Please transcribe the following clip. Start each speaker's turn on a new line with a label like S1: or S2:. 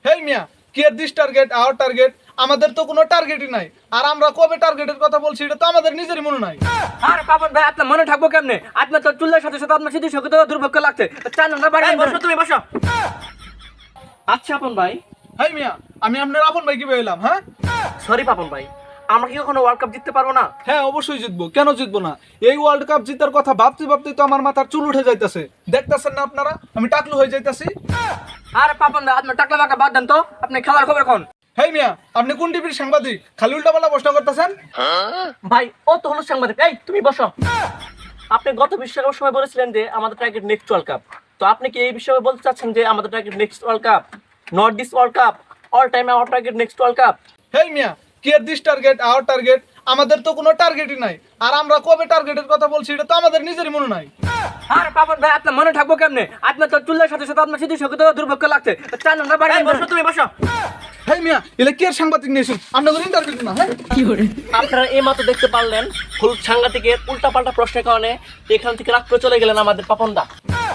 S1: হেই মিয়া, কি এর দিস টার্গেট আওয়ার টার্গেট? আমাদের তো কোনো টার্গেটই নাই। আর আমরা কবে টার্গেটের কথা বলছি এটা তো আমাদের নিজেরই মনে নাই।
S2: আরে পাপন ভাই, আপনার মনে থাকবো কেমনে? আপনার তো চুলের সাথে সাথে আপনার স্মৃতি শক্তি তো দুর্ভোগ লাগছে। চার নম্বর বাড়ি বসো, তুমি বসো। আচ্ছা পাপন ভাই।
S1: হেই মিয়া, আমি আপনার আপন ভাই কি বললাম? হ্যাঁ
S2: সরি পাপন ভাই, আমরা কি কখনো ওয়ার্ল্ড কাপ জিততে পারবো না?
S1: হ্যাঁ, অবশ্যই জিতবো। কেন জিতবো না? এই ওয়ার্ল্ড কাপ জিতার কথা ভাবতে ভাবতে তো আমার মাথার চুল উঠে যাইতেছে। দেখতেছেন না আপনারা আমি টাকলু হয়ে যাইতাছি?
S2: আরে পাপন ভাই, আপনার টাকলা মাকা বাদ দেন তো, আপনি খেলার খবর কোন?
S1: হেই মিয়া, আপনি কোন টিভির সাংবাদিক? খালি উল্টাপাল্টা প্রশ্ন করতেছেন।
S2: ভাই ও তো হলো সাংবাদিক। এই তুমি বসো। আপনি গত বিশ্বকাপের সময় বলেছিলেন যে আমাদের টার্গেট নেক্সট ওয়ার্ল্ড কাপ। তো আপনি কি এই বিষয়ে বলতে চাচ্ছেন যে আমাদের target next world cup, not this world cup? All time our target next world cup.
S1: Hey মিয়া, কি এর দিস টার্গেট আওয়ার টার্গেট? আমাদের তো কোনো টার্গেটই নাই। আর আমরা কবে টার্গেটের কথা বলছি এটা তো আমাদের নিজেরই মনে নাই।
S2: আরে পাপন ভাই, আপনার মনে থাকবো কেমনে? আপনার তো চুলের সাথে সাথে আপনার স্মৃতি শক্তি তো দুর্ভোগ লাগছে। চার নম্বর বাড়ি বসো, তুমি বসো।
S1: হেই মিয়া, এলে কি এর সাংবাদিক নিয়েছেন? আপনাদের ইন্টারভিউ না? হ্যাঁ
S2: আপনারা এই মাত্র দেখতে পারলেন হলুদ সাংঘাতিকের উল্টা পাল্টা প্রশ্নের কারণে এখান থেকে রাগ করে চলে গেলেন আমাদের পাপন দা।